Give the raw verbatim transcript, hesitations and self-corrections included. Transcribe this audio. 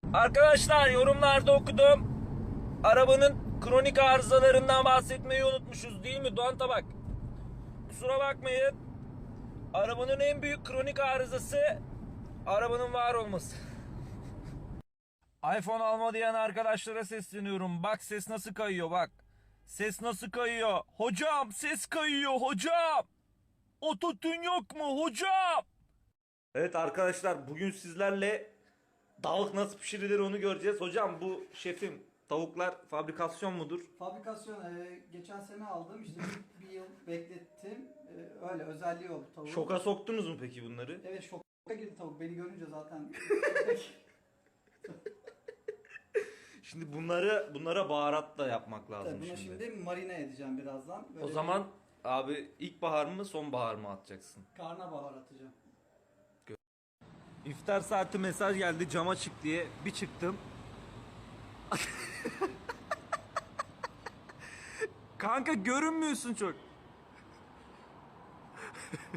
Arkadaşlar yorumlarda okudum. Arabanın kronik arızalarından bahsetmeyi unutmuşuz değil mi Doğan Tabak? Kusura bakmayın. Arabanın en büyük kronik arızası arabanın var olması. iPhone alma diyen arkadaşlara sesleniyorum. Bak ses nasıl kayıyor bak. Ses nasıl kayıyor. Hocam ses kayıyor hocam. Ototune yok mu hocam? Evet arkadaşlar bugün sizlerle tavuk nasıl pişirilir onu göreceğiz. Hocam bu şefim tavuklar fabrikasyon mudur? Fabrikasyon e, geçen sene aldım işte bir, bir yıl beklettim. E, öyle özelliği oldu tavuğun. Şoka soktunuz mu peki bunları? Evet şoka girdi tavuk beni görünce zaten. Şimdi bunları bunlara baharat da yapmak lazım Tabii bunu şimdi. şimdi marine edeceğim birazdan. Böyle O zaman abi ilkbahar mı sonbahar mı atacaksın? karnabahar atacağım. İftar saati mesaj geldi cama çık diye. Bir çıktım. Kanka görünmüyorsun çok.